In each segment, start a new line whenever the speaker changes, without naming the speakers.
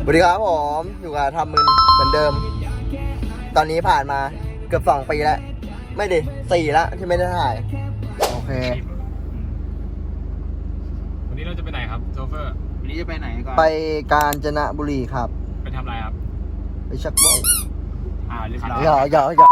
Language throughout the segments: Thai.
สวัสดีครับผมอยู่กับทำมึนเหมือนเดิมตอนนี้ผ่านมาเกือบ2 ปีแล้วไม่ดิ4แล้วที่ไม่ได้ถ่ายโอเค
วันนี้เราจะไปไหนครับโชเฟอร์
วันนี้จะไปไหนก่อน
ไปกาญจนบุรีครับ
ไปทำอะไรครับ
ไปชักว่าว
เรียบร้อย
อย่า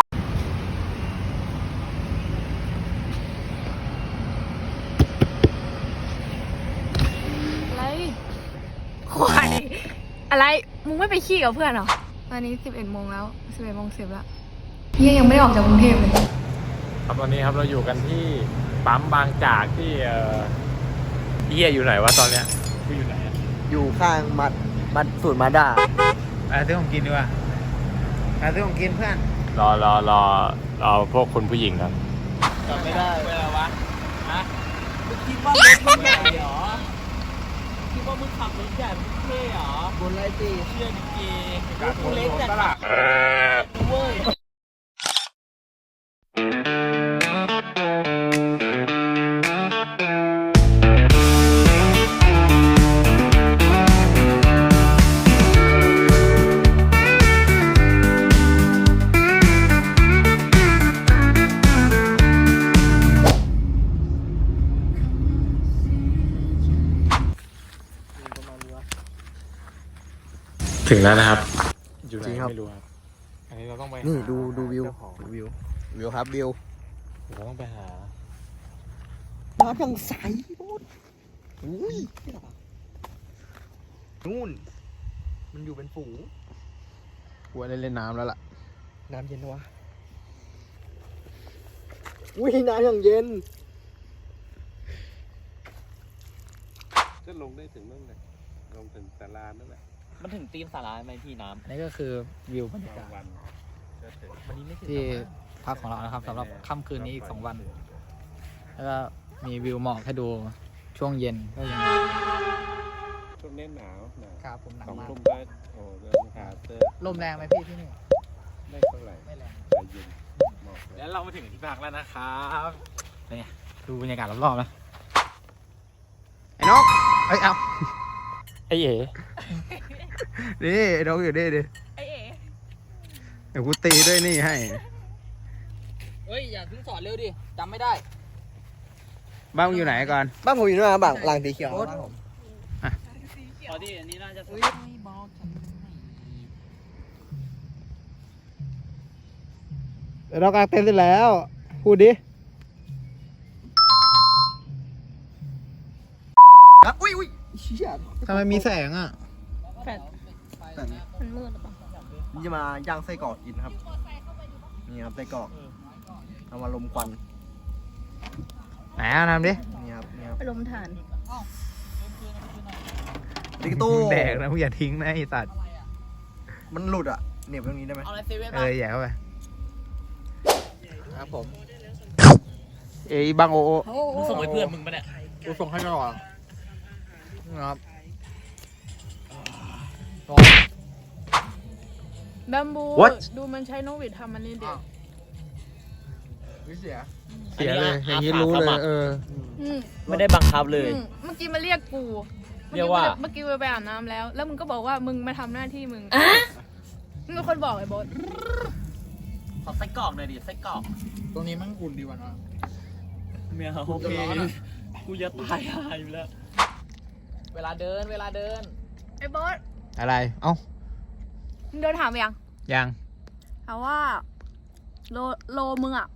ควายอะไรมึงไม่ไปขี้กับเพื่อนเหรอตอนนี้11 โมงแล้ว11 โมง 10แล้วยังไม่ได้ออกจากกรุงเทพเลย
ครับวันนี้ครับเราอยู่กันที่ปั๊มบางจากที่เฮียอยู่ไหนวะตอนเนี้ยอยู่ไหน
อยู่ข้างมัดสูตรมาด้า
ซื้อของกินดีกว่าซื้อของกินเพื่อน
รอพวกคุณผู้หญิงครับ
จำไม่ได้เวลาวะฮะคิดว่ามึงใหญ่เหรอคิดว่ามึงขับรถใหญ่มึงเท่เหรอบนไรตีเชื่อจริงๆกูเล็กแต่ขับเว้ย
ถึงแล้วนะครับอยู่ไหนไม่รู้ครับอันนี้เราต้องไป
นี่ดูวิวครับวิว
เราต้องไปหา
น้ำยังใสอุ้ยนู่นมันอยู่เป็นฝูง
กูได้เล่นน้ำแล้วล่ะ
น้ำเย็นวะอุ้ยน้ำอย่างเย็น
ก็ลงได้ถึงนั่นแหละลงถึงศาลานั่นแหละ
มันถึงตีนสาราไหมพี่น้ำนี่ก็คือวิวบรรยากาศ
วันนี้ไม่
ที่พักของเรานะครับสำหรับค่ำคืนนี้อีก2 วันแล้วก็มีวิวหมอกให้ดูช่วงเย็นก็ยัง
ช่วงนี้หนาว
ครับผมหนาวมาก
โอ้เดินหาเจอ
ลมแรงไหมพี่ที่นี่
ไม่เท่าไหร่
ไม่แรง
ใจเย็นแล้วเรามาถึงที่พักแล้วนะครับนี่ดูบรรยากาศรอบๆนะ
ไอ้นกเอ้ยเอา
ไอ้เอ๋
นี่นกอยู่นี่ดิ
ไอเอ๋
เดี๋ยวกูตีด้วยนี่ให้
เฮ้ยอย่าเพิ่งสอนเร็วดิจำไม่ได้
บ้านมึงอยู่ไหนก่อน
บ้านผมอยู่นู่นนะบ้านหลังสีเขียวบ้านผม
พอดีอันนี้น่าจะ
เรากางเต็นท์เสร็จแล้วพูดดิ
อุ้ย
ทำไมมีแสงอ่ะ
แฟดมันมืดหรือเปล่า
นี่จะมาย่างไส้กรอกกินครับนี่ครับไส้กรอกเอามาลมควัน
ไหนทำดิ
นี่ครับ
ไปลมถ่าน
ดิกตู้
แดกนะมึงอย่าทิ้งนะไอ้สัตว์
มันหลุดอ่ะเหน็บตรงนี้ได้ไหม
แย่เข้าไป
ครับผม
บังโอ
มึงส่งให้เพื่อนมึงปะเนี่ย
กูส่งให้ก่อนครับ
แบมบูดูมันใช้นกหวีดทำมันนี่เด็ก
เสียเลยอย่างนี้รู้เลย
ไม่ได้บังคับเลย
เมื่อกี้มาเรียกกู
เรียกว่า
เมื่อกี้ไปอาบน้ำแล้วมึงก็บอกว่ามึงมาทำหน้าที่มึงมึงเป็นคนบอกไอ้บอส
ขอไส้กรอกหน่อยดิไส้กรอก
ตรงนี้มันอุ่นดีวะนะ
เมียโอเคกูจะตายหายอยู่แล้วเวลาเดิน
ไอ้บอส
อะไรเอ้า
มึงเดินถามยังถามว่าโลมึงอ่ะ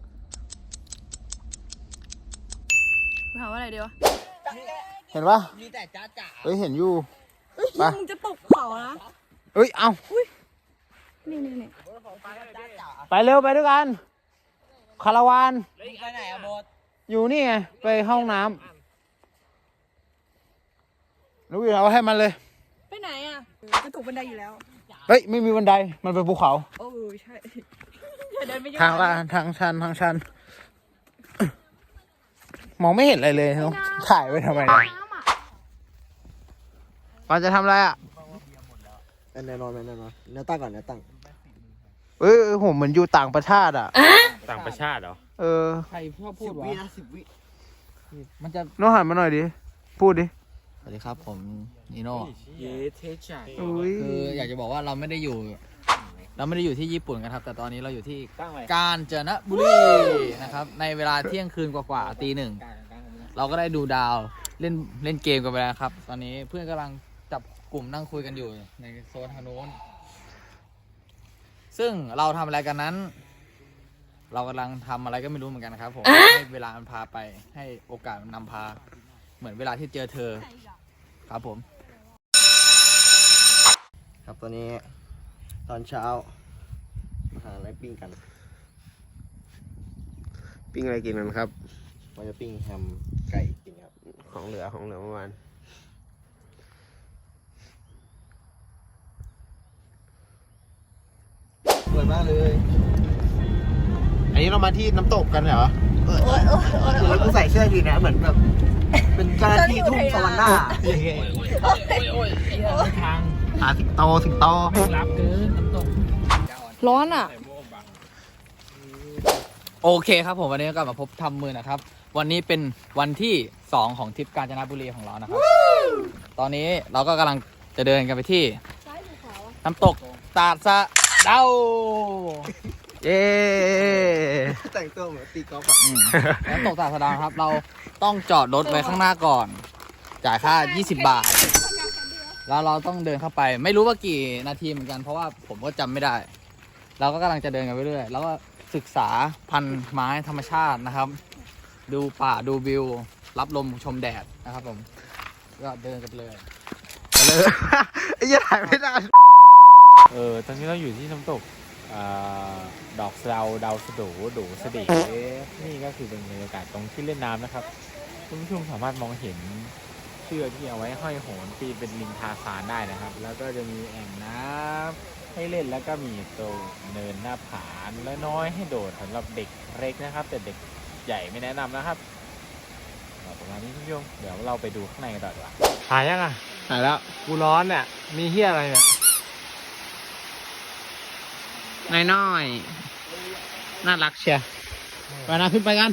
ถามว่าอะไรดีวะ
เห็นปะ
มีแต่จ้าจ๋า
เห็นอยู่
ปะมึงจะตกเขานะ
เอ้า
นี่
ไปเร็วไปด้วยกันคาราวาน
ไปไหนอะโบส
อยู่นี่ไงไปห้องน้ำรู้อยู่แล้วให้มันเลย
ไปไหนอ่ะจะถูกบันไดอยู่แล้ว
เฮ้ยไม่มีบันไดมันเป็นภูเขา
โอ้ใช่
ทางลาดทางชันมองไม่เห็นอะไรเลยต้องถ่ายไว้ทำไมเนี่ยปอนจะทำอะไรอ่ะ
แน่นอนแนวตั้งก่อนแนวตั้ง
ผมเหมือนอยู่ต่างประเทศอ่ะ
ต่างประเทศเหรอ
ใครชอบพูดวะ
10 วิ
มันจะน้องหันมาหน่อยดิพูดดิ
วัสดีครับผมนิโน่
เย้เทจัด
คืออยากจะบอกว่าเราไม่ได้อยู่ที่ญี่ปุ่นกันครับ แต่ตอนนี้เราอยู่ที่
ตั้งไว้
กาญจนบุรีนะครับในเวลาเที่ยงคืนกว่าๆตีหนึ่งเราก็ได้ดูดาวเล่นเกมกันไปแล้วครับ ตอนนี้เพื่อนกำลังจับกลุ่มนั่งคุยกันอยู่ในโซนทางโน้นซึ่งเราทำอะไรกันนั้น เรากำลังทำอะไรก็ไม่รู้เหมือนกันครับผมให้เวลามันพาไปให้โอกาสมันนำพาเหมือนเวลาที่เจอเธอครับผม
ครับตอนนี้ตอนเช้ามาหาอะไรปิ้งกัน
ปิ้งอะไรกินกันครับ
ว่าจะปิ้งแฮมไก่กินครับ
ของเหลือเมื่อวาน
สวยมากเลย
อันนี้เรามาที่น้ำตกกันเหรอ
แล้วกูใส่เสื้อทีนะเหมือนแบบเป็นเจ้าหน้าที่ทุ่งสวรรค์หน้า
ทาง
หาสิงโต
รับเกินน้ำตก
ร้อนอ่ะ
โอเคครับผมวันนี้ก็กลับมาพบทำมือนะครับ วันนี้เป็นวันที่ 2 ของทริปกาญจนบุรีของเรานะครับ ตอนนี้เราก็กำลังจะเดินกันไปที่น้ำตกตาดสะเดา
เย้
แต่งตัวเหมือนตีกอล์ฟอะ
น้ำตกตาดสะเดาครับ เราต้องจอดรถไว้ข้างหน้าก่อน จ่ายค่า 20 บาท แล้วเราต้องเดินเข้าไป ไม่รู้ว่ากี่นาทีเหมือนกันเพราะว่าผมก็จำไม่ได้ เราก็กำลังจะเดินกันไปเรื่อยแล้วก็ศึกษาพันธุ์ไม้ธรรมชาตินะครับ ดูป่าดูวิว รับลมชมแดดนะครับผม ก็เดินกันไปเลย
ไอ้เหี้ยถ่ายไม่ได้
ตอนนี้เราอยู่ที่น้ำตกดอกสะเดาดาวสะโดูสะดินี่ก็คือเป็นบรรยากาศตรงที่เล่นน้ำนะครับคุณผู้ชมสามารถมองเห็นเชือกที่เอาไว้ห้อยโหนปีนเป็นลิงทาซานได้นะครับ แล้วก็จะมีแอ่งน้ำให้เล่นแล้วก็มีตัวเนินหน้าผาและน้อยให้โดดสำหรับเด็กเล็กนะครับ แต่เด็กใหญ่ไม่แนะนำนะครับประมาณนี้คุณผู้ชมเดี๋ยวเราไปดูข้างในกันต่อดีกว่าถ่ายยังอ่ะ
ถ่ายแล้ว
กูร้อนเนี่ยมีเฮียอะไรเนี่ย
น้อยน่ารักเชียร์ไปนะขึ้นไปกัน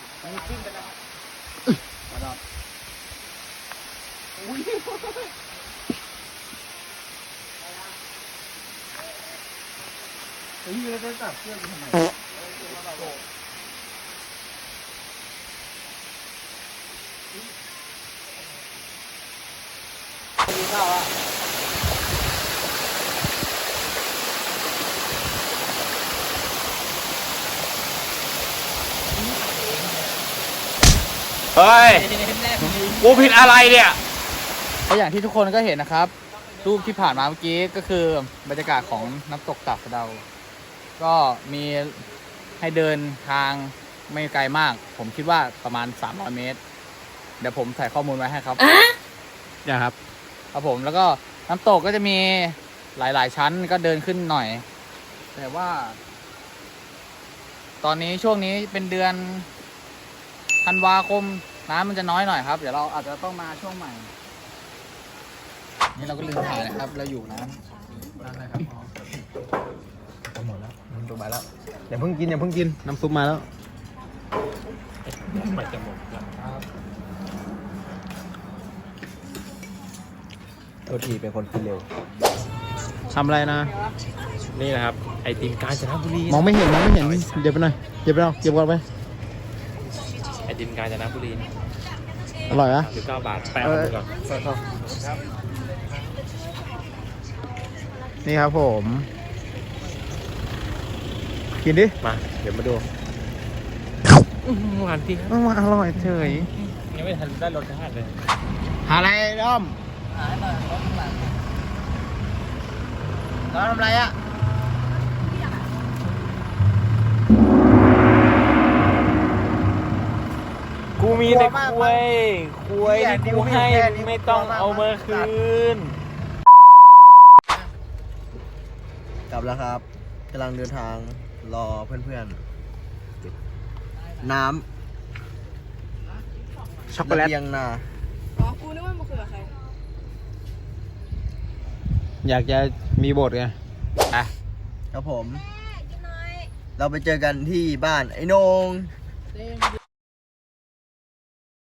เฮ้ย กูผิดอะไรเนี่ย
ก็อย่างที่ทุกคนก็เห็นนะครับ รูปที่ผ่านมาเมื่อกี้ก็คือบรรยากาศของน้ำตกตาดสะเดา ก็มีให้เดินทางไม่ไกลมาก ผมคิดว่าประมาณ300 เมตร เดี๋ยวผมใส่ข้อมูลไว้ให้ครับ
อย่าครับ
ครับผมแล้วก็น้ำตกก็จะมีหลายๆชั้นก็เดินขึ้นหน่อย แต่ว่า ตอนนี้ช่วงนี้เป็นเดือนธันวาคมน้ำมันจะน้อยหน่อยครับ เดี๋ยวเราอาจจะต้องมาช่วงใหม่ นี่เราก็ลืมถ่ายนะครับ เราอยู่น้ำนะครับ
หมดแล้วน้ำซุปมาแล้วอย่าเพิ่งกินน้ำซุปมาแล้ว
ไม่จะหมดแล้ว
โทษทีเป็นคนกินเร็ว
ทำอะไรนะ
นี่นะครับ ไอติมกาญจนบุรี
มองไม่เห็นเดี๋ยวไปหน่อยเก็บไปเอาเก็บก่อนไป
ไอติมกาญจนบุรี
อร่อยนะ
39 บาทแปะเอาไปก่อน
นี่ครับผม กินดิ
มา เดี๋ยวมาดูหวานจริงครับ
มาอร่อยเฉย
ยังไม่ทันได้รสชาติเลย
หาอะไรด้อม
เราทำอะไรอ่ะ
กูมีแต่คุยที่กูให้ไม่ต้องเอามาคืน
กลับแล้วครับกำลังเดินทางรอเพื่อนๆ น้ำ
ช็อกโกแลต
ระเบียงนา
อยากจะมีบทไง
ครับผม เราไปเจอกันที่บ้านไอ้โหนง